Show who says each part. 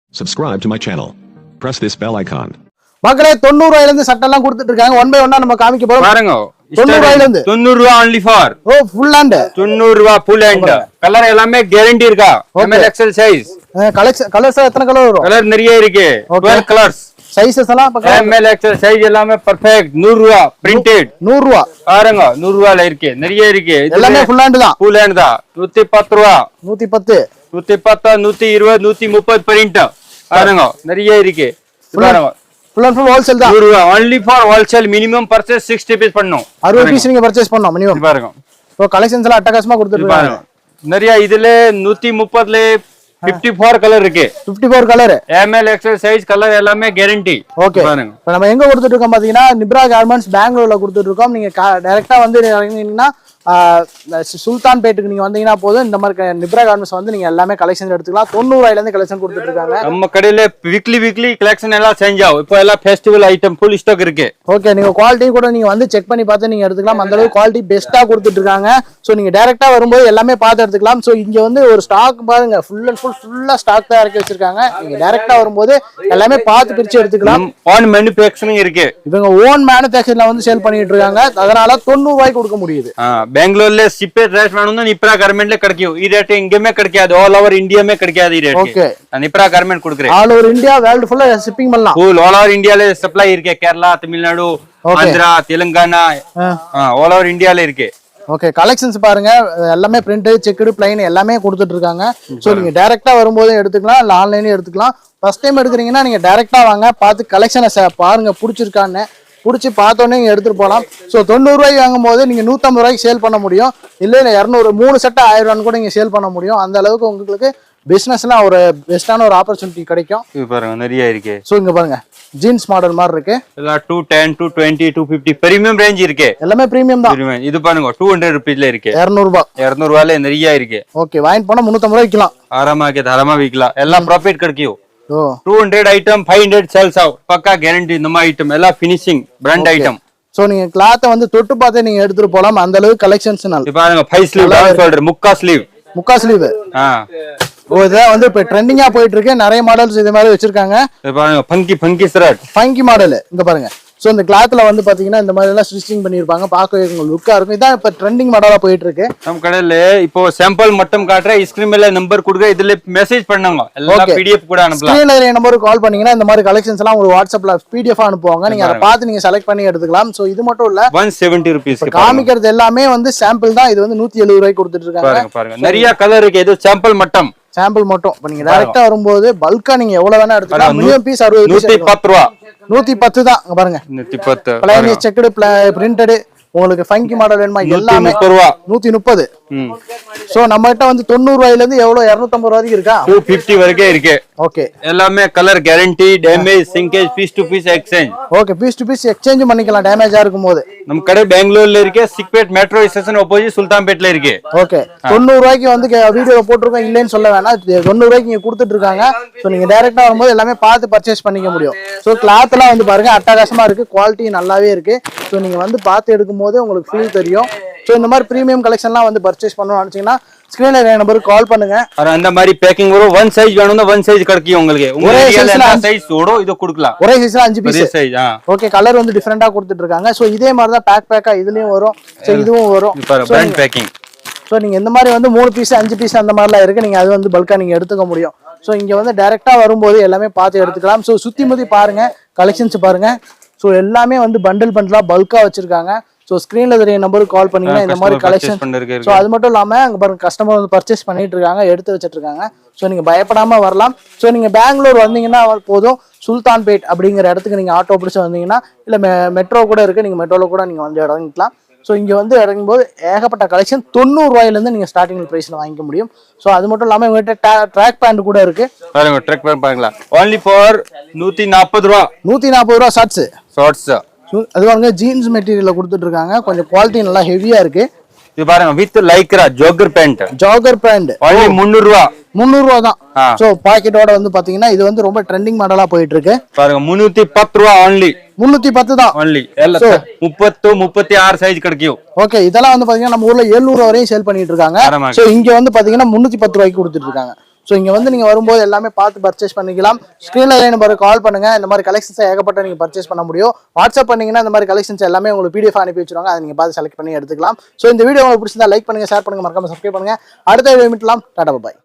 Speaker 1: Subscribe to my channel. Press this bell icon.
Speaker 2: மக்களே 90 ரூபாயில இருந்து சட்டை எல்லாம் கொடுத்துட்டு இருக்காங்க. ஒன் பை ஒன்னா நம்ம காமிக்க போறோம்.
Speaker 3: பாருங்க
Speaker 2: 90 ரூபாயில இருந்து
Speaker 3: 90 ரூபாய் only for
Speaker 2: ஓ ஃபுல் ஹேண்ட்
Speaker 3: 90 ரூபாய் full hand கலர் எல்லாமே கேரண்டி இருக்கா ML XL சைஸ்
Speaker 2: கலர்ஸ் எத்தனை கலர் வரும்?
Speaker 3: கலர் நிறைய இருக்கு 12 கலர்ஸ்
Speaker 2: சைஸஸ் எல்லாம் பக்கம்
Speaker 3: ML XL சைஸ் எல்லாமே பெர்ஃபெக்ட் 100 ரூபாய் பிரிண்டட்
Speaker 2: 100 ரூபாய்
Speaker 3: பாருங்க 100 ரூபாயில இருக்கு நிறைய இருக்கு
Speaker 2: எல்லாமே ஃபுல் ஹேண்ட் தான்.
Speaker 3: full hand தான் 110 ரூபாய்
Speaker 2: 110
Speaker 3: 110 120 130 பிரிண்ட் பாருங்க நிறைய இருக்கு பாருங்க
Speaker 2: ஃபுல் அண்ட் ஃபுல் ஹோல்சேல் தான்.
Speaker 3: 100 ரூபாய் only for wholesale minimum purchase 60 piece பண்ணனும்
Speaker 2: 60 பீஸ் நீங்க பர்சேஸ் பண்ணனும் மினிமம்.
Speaker 3: பாருங்க
Speaker 2: சோ கலெக்ஷன்ஸ் எல்லாம் அட்டகாசமா கொடுத்துட்டு இருக்காங்க.
Speaker 3: நிறைய இதுல 130ல 54 கலர் இருக்கு
Speaker 2: 54 colour
Speaker 3: ML XL size colour எல்லாமே கேரண்டி
Speaker 2: ஓகே.
Speaker 3: பாருங்க
Speaker 2: இப்போ நம்ம எங்க கொடுத்துட்டு இருக்கோம் பாத்தீங்கன்னா நிப்ரா கார்மெண்ட்ஸ் பெங்களூர்ல கொடுத்துட்டு இருக்கோம். நீங்க டைரக்டா வந்து இறங்கினீங்கன்னா சுல்தான் பேட்டுக்கு நீங்க வந்தீங்கன்னா போதும் இந்த மாதிரி நிப்ரா கார்மெண்ட்ஸ் வந்து நீங்க எல்லாமே கலெக்ஷன் எடுத்துக்கலாம். 90 ரூபாயில இருந்து கலெக்ஷன் கொடுத்துட்டு இருக்காங்க.
Speaker 3: நம்ம கடையில வீக்லி கலெக்ஷன் எல்லாம் சேஞ்ச் ஆகும். இப்போ எல்லாம் ஃபெஸ்டிவல் ஐட்டம் ஃபுல் ஸ்டாக் இருக்கு.
Speaker 2: ஓகே நீங்க குவாலிட்டி கூட நீங்க வந்து செக் பண்ணி பார்த்து நீங்க எடுத்துக்கலாம். அந்த அளவுக்கு குவாலிட்டி பெஸ்ட்டா கொடுத்துட்டு இருக்காங்க. சோ நீங்க டைரக்டா வரும்போது எல்லாமே பார்த்து எடுத்துக்கலாம். சோ இங்க வந்து ஒரு ஸ்டாக் பாருங்க ஃபுல்லா ஸ்டாக் தான் இறக்கி வச்சிருக்காங்க. நீங்க டைரக்டா வரும்போது எல்லாமே பார்த்து பிரிச்சு எடுத்துக்கலாம்.
Speaker 3: ஆன் மேனுஃபேக்சரிங் இருக்கு.
Speaker 2: இவங்க ஓன் மேனுஃபேக்சரிங்ல வந்து சேல் பண்ணிட்டு இருக்காங்க. அதனால 90 ரூபாய்க்கு கொடுக்க முடியுது.
Speaker 3: பெங்களூர்ல சிப்பே ட்ரெஸ் வேணும்னா நிப்ரா கார்மெண்ட்ல கிடைக்கும். ಈ ரேட் எங்கேயுமே கிடைக்காது. ஆல் ஓவர் இந்தியாமே கிடைக்காது ಈ ரேட்.
Speaker 2: ஓகே
Speaker 3: நான் நிப்ரா கார்மெண்ட் கொடுக்கிறேன்.
Speaker 2: ஆல் ஓவர் இந்தியா வேர்ல்ட் ஃபுல்லா ஷிப்பிங் பண்ணலாம்.
Speaker 3: ஃபுல் ஆல் ஓவர் இந்தியால சப்ளை இருக்கு. கேரளா, தமிழ்நாடு, ஆந்திரா, தெலுங்கானா ஆல் ஓவர் இந்தியால இருக்கு.
Speaker 2: ஓகே கலெக்ஷன்ஸ் பாருங்க எல்லாமே பிரிண்ட் செக்குடு பிளைன் எல்லாமே கொடுத்துட்டு இருக்காங்க. சோ நீங்க டைரக்டா வரும்போது எடுத்துக்கலாம், இல்ல ஆன்லைன்லயும் எடுத்துக்கலாம். ஃபர்ஸ்ட் டைம் எடுக்கிறீங்கன்னா நீங்க டைரக்டா வாங்க, பார்த்து கலெக்ஷனை பாருங்க பிடிச்சிருக்கான்னு பிடிச்சி பார்த்தோன்னே நீங்க எடுத்துட்டு போகலாம். ஸோ 90 ரூபாய்க்கு வாங்கும் போது நீங்க 150 ரூபாய்க்கு சேல் பண்ண முடியும். இல்லை 200 3 செட்டு 1000 ரூபான்னு கூட நீங்க சேல் பண்ண முடியும். அந்த அளவுக்கு உங்களுக்கு பிசினஸ்லாம் ஒரு பெஸ்டான ஒரு ஆப்பர்ச்சுனிட்டி கிடைக்கும்.
Speaker 3: இது பாருங்க நிறைய இருக்கு.
Speaker 2: ஸோ இங்க பாருங்க ஜீன்ஸ் மாடல் மாதிரி இருக்கு.
Speaker 3: எல்லாம் 210 220 250 பிரீமியம் ரேஞ்ச் இருக்கு.
Speaker 2: எல்லாமே பிரீமியம் தான்.
Speaker 3: இது பாருங்க 200 ரூபீஸ்ல இருக்கு.
Speaker 2: 200 ரூபாய்
Speaker 3: 200 ரூபாயில நிறைய இருக்கு.
Speaker 2: ஓகே வாங்கிட்டு போனா 350 ரூபாய் விற்கலாம்.
Speaker 3: ஆராமா விற்கலாம். எல்லாம் ப்ராஃபிட் கிடைக்கும்.
Speaker 2: ஓ
Speaker 3: 200 ஐட்டம் 500 சேல்ஸ் ஆகும். பக்கா கேரண்டி. இந்த மாதிரி ஐட்டம் எல்லாம் ஃபினிஷிங் பிராண்ட் ஐட்டம்.
Speaker 2: சோ நீங்க கிளாத்தை வந்து தொட்டு பார்த்தே நீங்க எடுத்துட்டு போலாம். அந்த அளவுக்கு கலெக்ஷன்ஸ்
Speaker 3: இது பாருங்க 5 ஸ்லீவ் டவுன் ஷோல்டர் முக்கா ஸ்லீவ்
Speaker 2: ஓ இதான் வந்து இப்ப ட்ரெண்டிங்கா போயிட்டு இருக்கு. நிறைய மாடல்ஸ் இது மாதிரி வச்சிருக்காங்க.
Speaker 3: இது பாருங்க ஃபங்கி ஷர்ட்
Speaker 2: ஃபங்கி மாடல் இங்க பாருங்க. சோ இந்த கிளாத்ல வந்து பாத்தீங்கன்னா இந்த மாதிரி எல்லாம் ஸ்டிச்சிங் பண்ணிருப்பாங்க. பார்க்கவே உங்களுக்கு லுக்கா இருக்கும். இதான் இப்ப ட்ரெண்டிங் மாடலா போயிட்டு இருக்கு.
Speaker 3: நம்ம கடையில இப்போ சாம்பிள் மட்டும் காட்டுறேன். ஸ்கிரீன் மேல நம்பர் கொடுங்க. இதுல மெசேஜ் பண்ணுங்க. எல்லாம் PDF கூட அனுப்பலாம்.
Speaker 2: ஸ்கிரீன்ல நம்பருக்கு கால் பண்ணீங்கன்னா இந்த மாதிரி கலெக்ஷன்ஸ் எல்லாம் உங்களுக்கு வாட்ஸ்அப்ல PDF அனுப்புவாங்க. நீங்க அதை பார்த்து நீங்க செலக்ட் பண்ணி எடுத்துக்கலாம். சோ இது மட்டும் இல்ல
Speaker 3: 170 ரூபீஸ்
Speaker 2: காமிக்கிறது எல்லாமே வந்து சாம்பிள் தான். இது வந்து 170 ரூபாய்க்கு கொடுத்துட்டு இருக்காங்க.
Speaker 3: பாருங்க நிறைய கலர் இருக்கு. இது சாம்பிள் மட்டும் இப்ப நீங்க டைரக்டா வரும்போது பல்கா நீங்க எவ்வளவு வேணா எடுத்துக்கலாம். மினிமம் பீஸ் 60 110 ரூபாய்
Speaker 2: 110 தான். பாருங்க
Speaker 3: 110
Speaker 2: பிளைன் செக்குடு பிரிண்டட் உங்களுக்கு ஃபங்கி மாடல் வேணுமா எல்லாமே 130. சோ நம்ம கிட்ட வந்து 90 ரூபாயில இருந்து எவ்வளவு 250 வரைக்கும் இருக்கா
Speaker 3: 250 வரைக்கும் இருக்கு.
Speaker 2: ஓகே
Speaker 3: எல்லாமே colour guarantee. Damage shrinkage piece to piece exchange.
Speaker 2: Okay piece to piece exchange பண்ணிக்கலாம் டேமேஜா இருக்கும்போது.
Speaker 3: நம்ம கடை பெங்களூர்ல இருக்கு. சிக்பேட் மெட்ரோ ஸ்டேஷன் ஆப்போசிட் சுல்தான்பேட்ல இருக்கு.
Speaker 2: ஓகே 90 ரூபாய்க்கு வந்து வீடியோ போட்டுருக்கோம் இல்லைன்னு சொல்ல வேணாம். 90 ரூபாய்க்கு நீங்க கொடுத்துட்டு இருக்காங்க. சோ நீங்க டைரக்டா வரும்போது எல்லாமே பார்த்து பர்ச்சேஸ் பண்ணிக்க முடியும். சோ கிளாத் எல்லாம் வந்து பாருங்க அட்டகாசமா இருக்கு. குவாலிட்டி நல்லாவே இருக்கு. சோ நீங்க வந்து பார்த்து எடுக்கும் போது உங்களுக்கு ஃபீல் தெரியும். சோ இந்த மாதிரி பிரீமியம் கலெக்ஷன்லாம் வந்து பர்ச்சேஸ் பண்ணணும்னு நினைச்சீங்கன்னா ஸ்கிரீன்ல நம்பருக்கு கால் பண்ணுங்க.
Speaker 3: அந்த மாதிரி பேக்கிங் வரும். ஒன் சைஸ் வேணும்னா ஒன் சைஸ் கிடைக்கும் உங்களுக்கு. ஒரே சைஸ் ஓட இது கொடுக்கலாம்.
Speaker 2: ஒரே சைஸ்ல 5 பீஸ்
Speaker 3: சைஸ்.
Speaker 2: ஓகே கலர் வந்து டிஃபரெண்டா கொடுத்துட்டு இருக்காங்க. சோ இதே மாதிரி தான் பேக்கா இதுலயும் வரும். சோ இதுவும் வரும்.
Speaker 3: Brand packing.
Speaker 2: சோ நீங்க இந்த மாதிரி வந்து 3 பீஸ் 5 பீஸ் அந்த மாதிரிலாம் இருக்கு. நீங்க அது வந்து பல்கா நீங்க எடுத்துக்க முடியும். சோ இங்க வந்து டைரக்டா வரும்போது எல்லாமே பார்த்து எடுத்துக்கலாம். சோ சுத்தி முத்தி பாருங்க கலெக்ஷன்ஸ் பாருங்க. சோ எல்லாமே வந்து பண்டலா பல்கா வச்சிருக்காங்க. சோ ஸ்கிரீன்ல தெரிய நம்பருக்கு கால் பண்ணீங்கன்னா இந்த மாதிரி கலெக்ஷன். சோ அது மட்டும் இல்லாம அங்க பாருங்க கஸ்டமர் வந்து பர்ச்சேஸ் பண்ணிட்டு இருக்காங்க, எடுத்து வச்சிட்டு இருக்காங்க. சோ நீங்க பயப்படாம வரலாம். சோ நீங்க பெங்களூர் வந்தீங்கன்னா போதும் சுல்தான்பேட் அப்படிங்கிற இடத்துக்கு நீங்க ஆட்டோ பிடிச்சு வந்தீங்கன்னா இல்ல மெட்ரோ கூட இருக்கு. நீங்க மெட்ரோல கூட நீங்க வந்து இறங்கிக்கலாம். ஸோ இங்கே வந்து இறங்கும் போது ஏகப்பட்ட கலெக்ஷன் 90 ரூபாயிலேருந்து நீங்கள் ஸ்டார்டிங் ப்ரைஸில் வாங்கிக்க முடியும். ஸோ அது மட்டும் இல்லாமல் உங்கள்கிட்ட ட்ராக் பேண்ட் கூட இருக்கு.
Speaker 3: பாருங்க ட்ராக் பேண்ட் பாருங்களா only for 140 ரூபா
Speaker 2: 140 ரூபா ஷார்ட்ஸ். அது பாருங்க ஜீன்ஸ் மெட்டீரியல்ல கொடுத்துட்டு இருக்காங்க. கொஞ்சம் குவாலிட்டி நல்லா ஹெவியா இருக்கு.
Speaker 3: இது பாருங்க with lycra jogger pant only 300 ரூபா
Speaker 2: 300 ரூபா தான். சோ பாக்கெட்டோட வந்து பாத்தீங்கன்னா இது வந்து ரொம்ப ட்ரெண்டிங் மாடலா போயிட்டு இருக்கு.
Speaker 3: பாருங்க 310 ரூபா only
Speaker 2: 310 தான்
Speaker 3: only. எல்லாம் 30 36 சைஸ் கிடைக்கும்.
Speaker 2: ஓகே இதெல்லாம் வந்து பாத்தீங்கன்னா நம்ம ஊர்ல 700 வரையும் சேல் பண்ணிட்டு இருக்காங்க. சோ இங்க வந்து பாத்தீங்கன்னா 310 ரூபாய்க்கு கொடுத்துட்டு இருக்காங்க. ஸோ இங்கே வந்து நீங்கள் வரும்போது எல்லாமே பார்த்து பர்ச்சேஸ் பண்ணிக்கலாம். ஸ்க்ரீனில் நம்பர் கால் பண்ணுங்கள். இந்த மாதிரி கலெக்ஷன்ஸ் ஏகப்பட்ட நீங்கள் பர்ச்சேஸ் பண்ண முடியும். வாட்ஸ்அப் பண்ணிங்கன்னா இந்த மாதிரி கலெக்ஷன்ஸ் எல்லாமே உங்களுக்கு PDF அனுப்பி வச்சுருவாங்க. அதை நீங்கள் பார்த்து செலக்ட் பண்ணி எடுத்துக்கலாம். ஸோ இந்த வீடியோ உங்களுக்கு பிடிச்சிருந்தா லைக் பண்ணுங்கள், ஷேர் பண்ணுங்கள், மறக்காம சப்ஸ்கிரைப் பண்ணுங்கள். அடுத்த வீடியோ மீட்லாம். டாடா பாய்.